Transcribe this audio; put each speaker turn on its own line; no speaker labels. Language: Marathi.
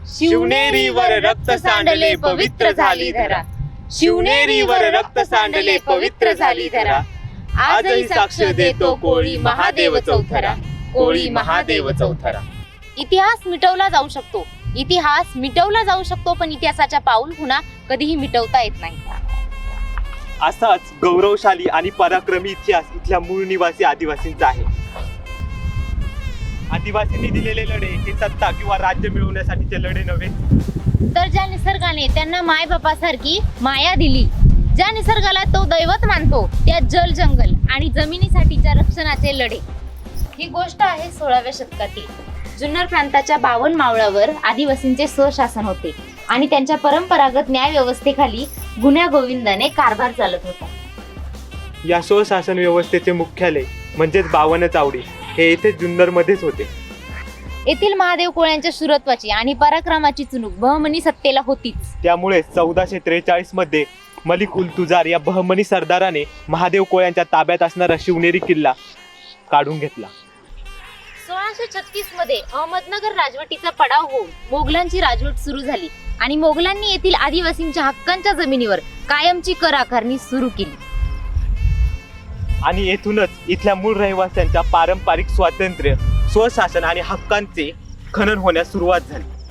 शिवनेरीवर रक्त सांडले पवित्र झाली धरा, शिवनेरीवर रक्त सांडले पवित्र झाली धरा. आजही साक्ष देतो कोळी महादेव चौथरा, कोळी महादेव चौथरा.
इतिहास मिटवला जाऊ शकतो, इतिहास मिटवला जाऊ शकतो, पण इतिहासाच्या पाऊल खुणा कधीही मिटवता येत नाही.
असाच गौरवशाली आणि पराक्रमी इतिहास इथल्या मूळ निवासी आदिवासींचा आहे. आदिवासींनी दिलेले लढे हे सत्ता किंवा राज्य मिळवण्यासाठीचे लढे नव्हे,
तर ज्या निसर्गाने त्यांना मायबापासारखी माया दिली, ज्या निसर्गाला तो दैवत मानतो, त्या जल जंगल आणि जमिनीसाठीच्या रक्षणाचे लढे. ही गोष्ट आहे 16व्या शतकातील. जुन्नर प्रांताच्या 52 मावळावर आदिवासींचे स्वशासन होते आणि त्यांच्या परंपरागत न्याय व्यवस्थेखाली गुन्ह्या गोविंदाने कारभार चालत होता.
या स्वशासन व्यवस्थेचे मुख्यालय म्हणजेच 52 चावडी हे येथे जुन्नर मध्येच होते.
येथील महादेव कोळ्यांच्या शूरत्वाची आणि पराक्रमाची चुणूक बहमनी सत्तेला होतीच.
त्यामुळे 1443 मध्ये मलिक उल तुजार या बहमनी सरदाराने महादेव कोळ्यांच्या ताब्यात असणारा शिवनेरी किल्ला काढून घेतला.
1636 मध्ये अहमदनगर राजवटीचा पडाव होऊन मोगलांची राजवट सुरू झाली आणि मोगलांनी येथील आदिवासींच्या हक्कांच्या जमिनीवर कायमची कर आकारणी सुरू केली.
आणि येथूनच इथल्या मूळ रहिवाशांच्या पारंपरिक स्वातंत्र्य, स्वशासन आणि हक्कांचे खनन होण्यास सुरुवात झाली.